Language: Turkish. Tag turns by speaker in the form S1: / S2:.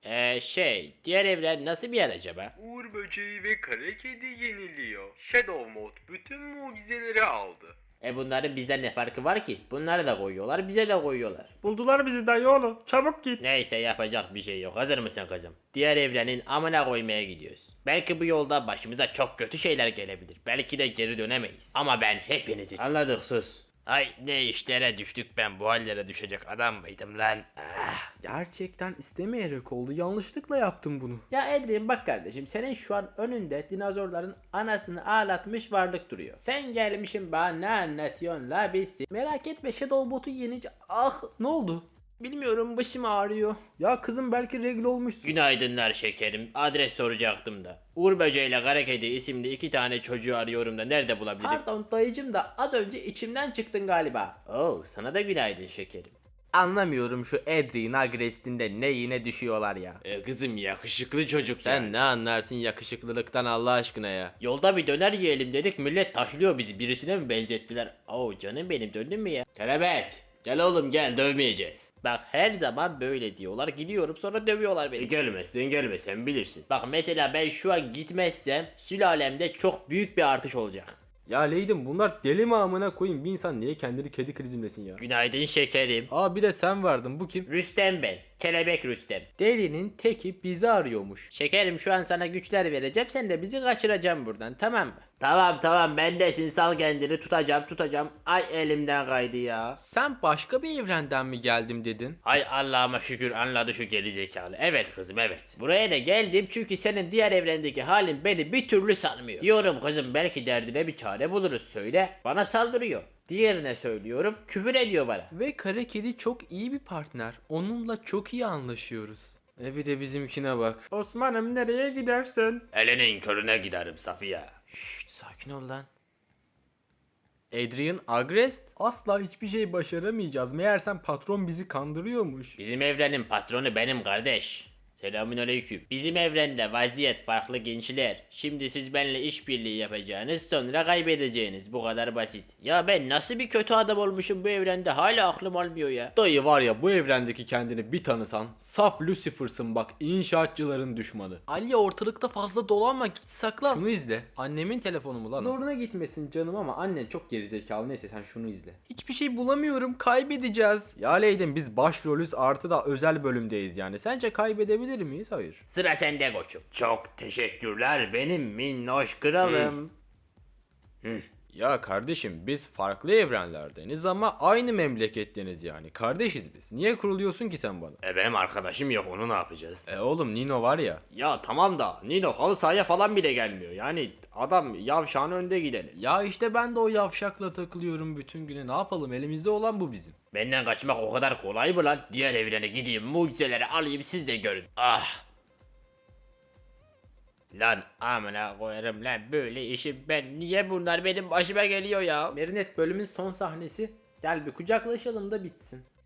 S1: Diğer evren nasıl bir yer acaba?
S2: Uğur böceği ve kara kedi yeniliyor. Shadow Mode bütün mucizeleri aldı.
S1: Bunların bize ne farkı var ki? Bunları da koyuyorlar, bize de koyuyorlar.
S3: Buldular bizi dayı oğlu. Çabuk git.
S1: Neyse yapacak bir şey yok. Hazır mısın kızım? Diğer evrenin amına koymaya gidiyoruz. Belki bu yolda başımıza çok kötü şeyler gelebilir. Belki de geri dönemeyiz. Ama ben hepinizi... Anladık, sus. Ay ne işlere düştük, ben bu hallere düşecek adam mıydım lan?
S4: Gerçekten istemeyerek oldu. Yanlışlıkla yaptım bunu.
S1: Ya Edrin bak kardeşim, senin şu an önünde dinozorların anasını ağlatmış varlık duruyor. Sen gelmişsin bana ne anlatıyorsun la bilsin.
S4: Merak etme, Shadow Bot'u yenince... Ah, ne oldu? Bilmiyorum, başım ağrıyor. Ya kızım, belki regl olmuşsun.
S1: Günaydınlar şekerim. Adres soracaktım da. Uğur Böceği ile Kara Kedi isimli 2 tane çocuğu arıyorum da nerede bulabilirim?
S4: Pardon dayıcım da az önce içimden çıktın galiba.
S1: Oo, sana da günaydın şekerim.
S4: Anlamıyorum şu Adrien Agrest'inde ne yine düşüyorlar ya.
S1: Kızım yakışıklı çocuk
S4: Sen ne anlarsın yakışıklılıktan Allah aşkına ya.
S1: Yolda bir döner yiyelim dedik, millet taşlıyor bizi, birisine mi benzettiler? Oo canım benim, döndün mü ya? Kelebek gel oğlum gel, dövmeyeceğiz. Bak her zaman böyle diyorlar, gidiyorum sonra dövüyorlar beni. Gelmesen bilirsin. Bak mesela ben şu an gitmezsem sülalemde çok büyük bir artış olacak.
S4: Ya Leydim, bunlar deli mi amına koyayım, bir insan niye kendini kedi krizimlesin ya.
S1: Günaydın şekerim.
S4: Aa, bir de sen vardın, bu kim?
S1: Rüstem ben. Kelebek Rüstem.
S4: Delinin teki bizi arıyormuş.
S1: Şekerim şu an sana güçler vereceğim, sen de bizi kaçıracaksın buradan, tamam mı? Tamam bendesin, sal kendini, tutacağım. Ay elimden kaydı ya.
S4: Sen başka bir evrenden mi geldim dedin?
S1: Ay Allah'ıma şükür anladı şu gerizekalı. Evet kızım evet. Buraya da geldim çünkü senin diğer evrendeki halin beni bir türlü sanmıyor. Diyorum kızım belki derdine bir çare buluruz, söyle. Bana saldırıyor. Diğerine söylüyorum, küfür ediyor bana.
S4: Ve kara kedi çok iyi bir partner. Onunla çok iyi anlaşıyoruz. Bir de bizimkine bak.
S3: Osman'ım nereye gidersin?
S1: Elinin körüne giderim Safiye. Şşt sakin ol lan.
S4: Adrien Agrest? Asla hiçbir şey başaramayacağız. Meğersem patron bizi kandırıyormuş.
S1: Bizim evrenin patronu benim kardeş. Selamünaleyküm. Bizim evrende vaziyet farklı gençler. Şimdi siz benimle işbirliği yapacağınız, sonra kaybedeceğiniz. Bu kadar basit. Ya ben nasıl bir kötü adam olmuşum bu evrende, hala aklım almıyor ya.
S4: Dayı var ya, bu evrendeki kendini bir tanısan saf Lucifer'sın bak, inşaatçıların düşmanı. Ali ortalıkta fazla dolanma, git saklan. Şunu izle. Annemin telefonu mu lan? Zoruna gitmesin canım ama annen çok gerizekalı, neyse sen şunu izle. Hiçbir şey bulamıyorum, kaybedeceğiz. Ya Leydim, biz başrolüz artı da özel bölümdeyiz yani. Sence kaybedebilir miyiz? Hayır.
S1: Sıra sende koçum. Çok teşekkürler benim minnoş kralım.
S4: Ya kardeşim, biz farklı evrenlerdeniz ama aynı memleketteniz yani. Kardeşiz biz. Niye kuruluyorsun ki sen bana?
S1: Benim arkadaşım yok, onu ne yapacağız?
S4: Oğlum Nino var ya.
S1: Ya tamam da Nino halı sahaya falan bile gelmiyor. Yani adam yavşağın önde gidelim.
S4: Ya işte ben de o yavşakla takılıyorum bütün güne. Ne yapalım, elimizde olan bu bizim.
S1: Benden kaçmak o kadar kolay mı lan? Diğer evrene gideyim, mucizeleri alayım, siz de görün. Ah. Lan amına koyarım lan, böyle işim ben, niye bunlar benim başıma geliyor ya?
S4: Merinet, bölümün son sahnesi. Gel bir kucaklaşalım da bitsin.